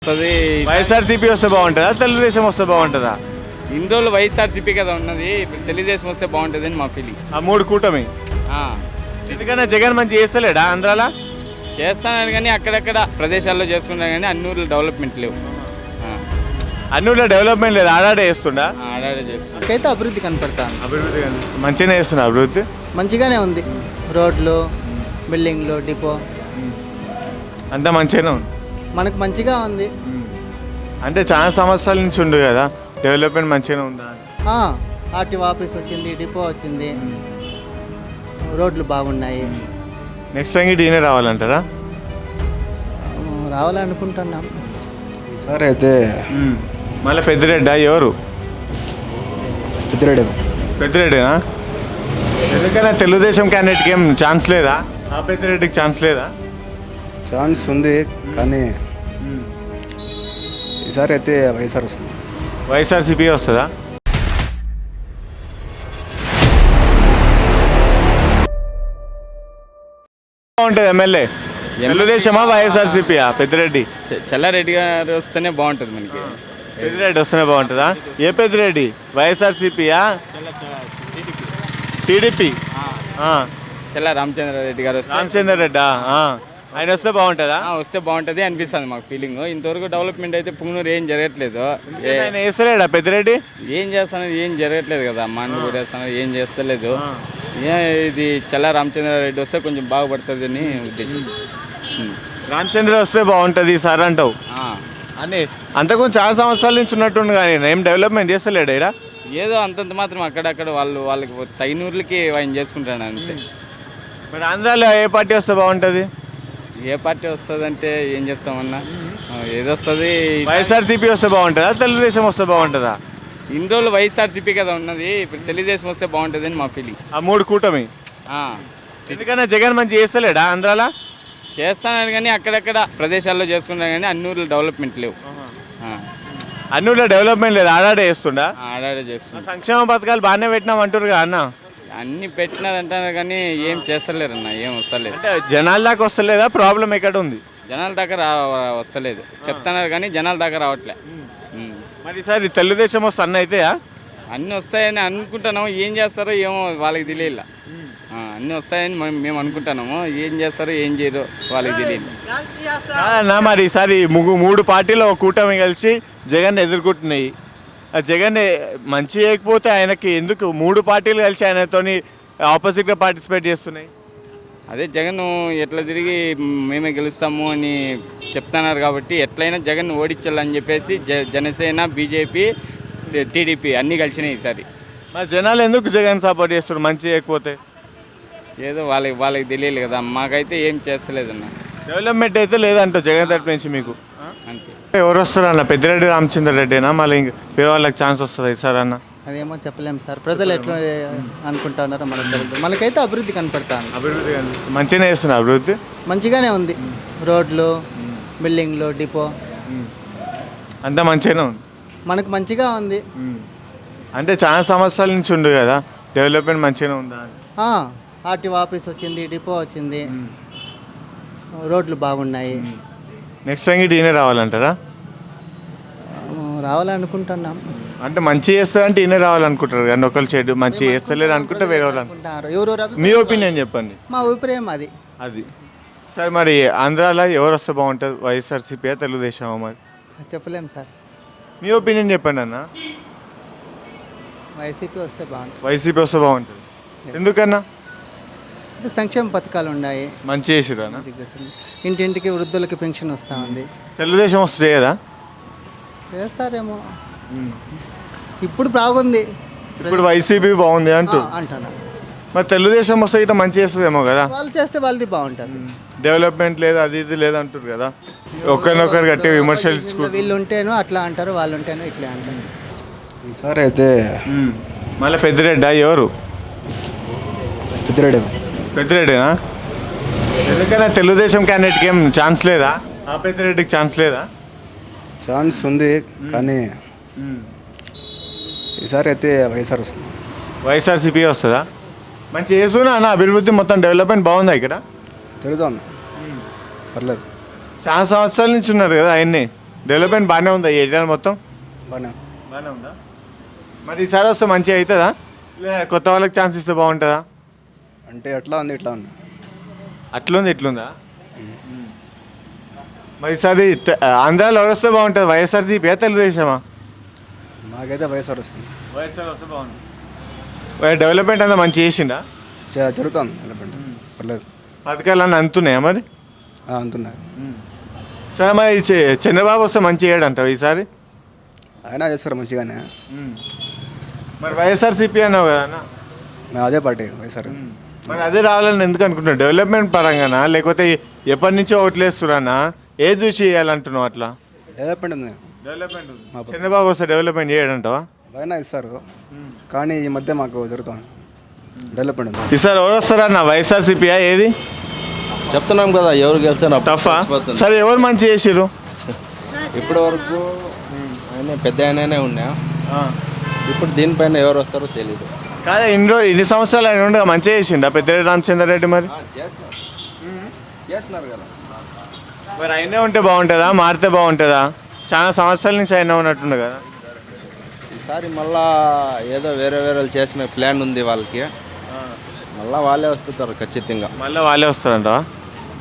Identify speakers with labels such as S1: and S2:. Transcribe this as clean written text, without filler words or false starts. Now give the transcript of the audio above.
S1: వస్తుంది.
S2: వైఎస్ఆర్సీపీ వస్తే బాగుంటుందా, తెలుగుదేశం వస్తే బాగుంటుందా?
S1: ఇన్ని రోజులు వైఎస్ఆర్సీపీ కదా ఉన్నది, ఇప్పుడు తెలుగుదేశం వస్తే బాగుంటుంది అని మా ఫీలింగ్.
S2: ఆ మూడు కూటమి ఎందుకన్నా జగన్ మంచి చేస్తలేడా ఆంధ్రాలో?
S1: చేస్తానని కానీ అక్కడక్కడ ప్రదేశాల్లో చేసుకుంటాను కానీ అన్ని ఊర్లు డెవలప్మెంట్ లేవు.
S2: అన్ని ఊళ్ళో డెవలప్మెంట్ లేదు, ఆడాడే చేస్తుండా?
S1: ఆడాడే చేస్తాను.
S3: నాకైతే అభివృద్ధి కనపడతాను.
S2: అభివృద్ధి మంచిగానే చేస్తున్నా. అభివృద్ధి
S3: మంచిగానే ఉంది. రోడ్లు, బిల్డింగ్లు, డిపో
S2: అంతా మంచిగానే ఉంది.
S3: మనకు మంచిగా ఉంది.
S2: అంటే చాలా సంవత్సరాల నుంచి ఉండు కదా, డెవలప్మెంట్ మంచిగానే ఉందా?
S3: ఆర్టీఓ ఆఫీస్ వచ్చింది, డిపో వచ్చింది, రోడ్లు బాగున్నాయి.
S2: నెక్స్ట్ టైం ఈయనే రావాలంటారా?
S3: రావాలనుకుంటున్నాం.
S4: ఈసారి అయితే
S2: మళ్ళీ పెద్దిరెడ్డా? ఎవరు
S4: పెద్దిరెడ్డి.
S2: పెద్దిరెడ్డినా? ఎందుకన్నా తెలుగుదేశం క్యాండిడేట్కి ఏం ఛాన్స్ లేదా? ఆ పెద్దిరెడ్డికి ఛాన్స్ లేదా?
S4: ఛాన్స్ ఉంది కానీ ఈసారి అయితే వైఎస్ఆర్ వస్తుంది.
S2: వైఎస్ఆర్సీపీ వస్తుందా? బాగుంటుంది ఎమ్మెల్యే తెలుగుదేశమా వైఎస్ఆర్సీపీయా? పెద్దిరెడ్డి.
S1: చెల్లారెడ్డి గారు వస్తేనే బాగుంటుంది మనకి.
S2: పెద్దిరెడ్డి వస్తేనే బాగుంటుందా? ఏ పెద్దిరెడ్డి? వైఎస్ఆర్సీపీయా టీడీపీ?
S1: చెల్లా రామచంద్రారెడ్డి గారు వస్తే.
S2: రామచంద్ర రెడ్డా? ఆయన వస్తే బాగుంటుందా?
S1: వస్తే బాగుంటుంది అనిపిస్తుంది మాకు ఫీలింగ్. ఇంతవరకు డెవలప్మెంట్ అయితే పుంగనూరు ఏం జరగట్లేదు.
S2: ఆయన వేస్తలేడా పెద్దిరెడ్డి?
S1: ఏం చేస్తానని ఏం జరగట్లేదు కదా, మన్ను కూడా వేస్తాను ఏం చేస్తలేదు. ఇది చెల్లా రామచంద్రారెడ్డి వస్తే కొంచెం బాగుపడుతుంది అని ఉద్దేశం.
S2: రామచంద్ర వస్తే బాగుంటుంది సార్ అంటావు అని. అంతకుముందు చాలా సంవత్సరాల నుంచి ఉన్నట్టుండు కానీ ఏం డెవలప్మెంట్ చేస్తలేడు ఇక్కడ.
S1: ఏదో అంతంత మాత్రం అక్కడక్కడ వాళ్ళకి తగినూర్లకి ఆయన చేసుకుంటాడు అంతే.
S2: మరి ఆంధ్రాలో ఏ పార్టీ వస్తే బాగుంటుంది?
S1: ఏ పార్టీ వస్తుంది అంటే ఏం చెప్తామన్నా, ఏదొస్తుంది.
S2: వైఎస్ఆర్సీపీ వస్తే బాగుంటుందా, తెలుగుదేశం వస్తే బాగుంటుందా?
S1: ఇన్ని రోజులు వైఎస్ఆర్సీపీ కదా ఉన్నది, ఇప్పుడు తెలుగుదేశం వస్తే బాగుంటుంది అని మా ఫీలింగ్.
S2: ఆ మూడు కూటమి ఎందుకన్నా జగన్ మంచి చేస్తలేడా ఆంధ్రాలో?
S1: చేస్తానని కానీ అక్కడక్కడ ప్రదేశాల్లో చేసుకుంటాను కానీ అన్ని ఊర్లు డెవలప్మెంట్ లేవు.
S2: అన్ని ఊళ్ళో డెవలప్మెంట్ లేదు, ఆడాడే చేస్తుండా?
S1: ఆడాడే చేస్తుంది.
S2: సంక్షేమ పథకాలు బాగానే పెట్టినాం అంటారు కదా అన్న.
S1: అన్ని పెట్టినారంటారు కానీ ఏం చేస్తలేరు అన్న, ఏం వస్తలేదు.
S2: అంటే జనాల దాకా వస్తలేదా? ప్రాబ్లం ఎక్కడ ఉంది?
S1: జనాల దాకా వస్తలేదు చెప్తున్నారు కానీ జనాల దాకా రావట్లే.
S2: మరి ఈసారి తెలుగుదేశం వస్తే అన్న అయితేయా?
S1: అన్నీ వస్తాయని అనుకుంటున్నాము, ఏం చేస్తారో ఏమో వాళ్ళకి తెలియదు. అన్నీ వస్తాయని మేము అనుకుంటున్నాము, ఏం చేస్తారో ఏం చేయదో వాళ్ళకి తెలియదు
S2: అన్న. మరి ఈసారి మూడు పార్టీలు ఒక కూటమి కలిసి జగన్ ఎదుర్కొంటున్నాయి. ఆ జగన్ మంచి చేయకపోతే ఆయనకి ఎందుకు మూడు పార్టీలు కలిసి ఆయనతోని ఆపోజిట్గా పార్టిసిపేట్ చేస్తున్నాయి?
S1: అదే జగన్ ఎట్లా తిరిగి మేమే గెలుస్తాము అని చెప్తున్నారు కాబట్టి ఎట్లయినా జగన్ ఓడించాలని చెప్పేసి జనసేన, బీజేపీ, టీడీపీ అన్నీ కలిసినాయి ఈసారి.
S2: మరి జనాలు ఎందుకు జగన్ సపోర్ట్ చేస్తారు మంచి చేయకపోతే?
S1: ఏదో వాళ్ళకి తెలియదు కదా, మాకైతే ఏం చేస్తలేదన్న.
S2: డెవలప్మెంట్ అయితే లేదంట జగన్ తరపు నుంచి మీకు
S1: అంతే.
S2: ఎవరు వస్తారు అన్న? పెద్దిరెడ్డి రామచంద్ర రెడ్డినా మళ్ళీ వేరే వాళ్ళకి ఛాన్స్ వస్తుంది సార్ అన్న?
S3: అదేమో చెప్పలేము సార్, ప్రజలు ఎట్లా అనుకుంటున్నారో మనకు తెలియదు. మనకైతే అభివృద్ధి కనపడతాను.
S2: అభివృద్ధి మంచిగానే చేస్తున్నా. అభివృద్ధి
S3: మంచిగానే ఉంది. రోడ్లు, బిల్డింగ్లు, డిపో
S2: అంతా మంచిగానే ఉంది.
S3: మనకు మంచిగా ఉంది.
S2: అంటే చాలా సంవత్సరాల నుంచి ఉండు కదా, డెవలప్మెంట్ మంచిగానే ఉందా?
S3: ఆర్టీఓ ఆఫీస్ వచ్చింది, డిపో వచ్చింది, రోడ్లు బాగున్నాయి.
S2: నెక్స్ట్ టైం ఈయనే రావాలంటారా?
S3: రావాలనుకుంటున్నాం.
S2: అంటే మంచి చేస్తారంటే ఈయనే రావాలనుకుంటారు కానీ ఒకళ్ళు చెడు మంచి చేస్తలేరు అనుకుంటే వేరే వాళ్ళు అనుకుంటారు.
S3: ఎవరు?
S2: మీ ఒపీనియన్ చెప్పండి.
S3: మా అభిప్రాయం అది.
S2: సార్ మరి ఆంధ్రాలో ఎవరు వస్తే బాగుంటుంది? వైఎస్ఆర్సీపీ, తెలుగుదేశమా? మరి
S3: చెప్పలేము సార్.
S2: మీ ఒపీనియన్ చెప్పండి అన్న.
S3: వైసీపీ వస్తే బాగుంటుంది.
S2: వైసీపీ వస్తే బాగుంటుంది ఎందుకన్నా?
S3: సంక్షేమ పథకాలు ఉన్నాయి,
S2: మంచి చేసిరా?
S3: ఇంటింటికి వృద్ధులకి పెన్షన్ వస్తూ ఉంది.
S2: తెలుగుదేశం వస్తే చేయదా?
S3: చేస్తారేమో, ఇప్పుడు బాగుంది.
S2: ఇప్పుడు వైసీపీ బాగుంది
S3: అంటున్నా.
S2: మరి తెలుగుదేశం వస్తే ఇట్లా మంచి చేస్తుందేమో కదా?
S3: వాళ్ళు చేస్తే వాళ్ళది బాగుంటుంది.
S2: డెవలప్మెంట్ లేదు, అది ఇది లేదు అంటారు కదా, ఒకరినొకరు గట్టి విమర్శలు.
S3: వీళ్ళు ఉంటేనో అట్లా అంటారు, వాళ్ళు ఉంటేనో ఇట్లా అంటారు.
S4: ఈసారి అయితే
S2: మళ్ళీ పెద్దిరెడ్డా? ఎవరు
S4: పెద్దిరెడ్డి?
S2: పెద్దిరెడ్డినా? ఎందుకన్నా తెలుగుదేశం క్యాండిడేట్కి ఏం ఛాన్స్ లేదా? ఆ పెద్దిరెడ్డికి ఛాన్స్ లేదా?
S4: ఛాన్స్ ఉంది కానీ ఈసారి అయితే వైఎస్ఆర్ వస్తుంది.
S2: వైఎస్ఆర్సీపీ వస్తుందా? మంచి చేస్తున్నా అన్న, అభివృద్ధి మొత్తం డెవలప్మెంట్ బాగుందా ఇక్కడ?
S4: తిరుగుతాను, పర్లేదు.
S2: చాలా సంవత్సరాల నుంచి ఉన్నారు కదా ఆయన్ని. డెవలప్మెంట్ బాగానే ఉందా ఈ ఏరియా మొత్తం
S4: బాగా
S2: బాగానే ఉందా మరి ఈసారి వస్తే మంచిగా అవుతుందా లేదా కొత్త వాళ్ళకి ఛాన్స్ ఇస్తే బాగుంటుందా
S4: అంటే ఎట్లా ఉంది ఇట్లా ఉంది
S2: అట్లుంది ఇట్లుందా మరి ఈసారి ఆంధ్రాలో ఎవరు వస్తే బాగుంటుంది వైఎస్ఆర్సీపీ తెలుగుదేశమా
S4: మాకైతే వైఎస్ఆర్ వస్తుంది
S2: వైఎస్ఆర్ వస్తే బాగుంటుంది డెవలప్మెంట్ అంతా మంచి చేసిండా
S4: జరుగుతుంది డెవలప్మెంట్ పర్లేదు
S2: పథకాలు అన్నీ అందుతున్నాయా మరి
S4: అంటున్నారు
S2: సరే మరి చంద్రబాబు వస్తే మంచి చేయడంటావు ఈసారి
S4: అయినా చేస్తారు మంచిగానే
S2: మరి వైఎస్ఆర్సీపీ అన్నావు కదా అన్న
S4: మేము అదే పార్టీ వైఎస్ఆర్
S2: మరి అదే రావాలని ఎందుకు అనుకుంటున్నావు డెవలప్మెంట్ పరంగానా లేకపోతే ఎప్పటి నుంచో ఓట్లేస్తున్నా ఏది చూసి చేయాలంటున్నావు అట్లా
S4: డెవలప్మెంట్ ఉంది
S2: డెవలప్మెంట్ చంద్రబాబు వస్తే డెవలప్మెంట్ చేయడంటావా
S4: బాగానే ఇస్తారు కానీ ఈ మధ్య మాకు జరుగుతుంది డెవలప్మెంట్ ఉంది
S2: ఈసారి ఎవరు వస్తారా అన్న వైఎస్ఆర్సీపీయా ఏది
S5: చెప్తున్నాం కదా ఎవరు గెలిచినా
S2: టఫా సరే ఎవరు మంచి చేసిర్రు
S5: ఇప్పటి వరకు ఆయన పెద్ద ఆయననే ఉన్నా ఇప్పుడు దీనిపైన ఎవరు వస్తారో తెలియదు
S2: కాదే ఇన్ని సంవత్సరాలు ఆయన ఉండగా మంచిగా చేసిండా పెద్దిరెడ్డి రామచంద్రారెడ్డి మరి
S5: చేస్తున్నారు కదా
S2: మరి అయినా ఉంటే బాగుంటుందా మారితే బాగుంటుందా చాలా సంవత్సరాల నుంచి అయినా ఉన్నట్టుండే కదా
S5: ఈసారి మళ్ళా ఏదో వేరే వేరే చేసిన ప్లాన్ ఉంది వాళ్ళకి మళ్ళా వాళ్ళే వస్తుంటారు ఖచ్చితంగా
S2: మళ్ళీ వాళ్ళే వస్తారంట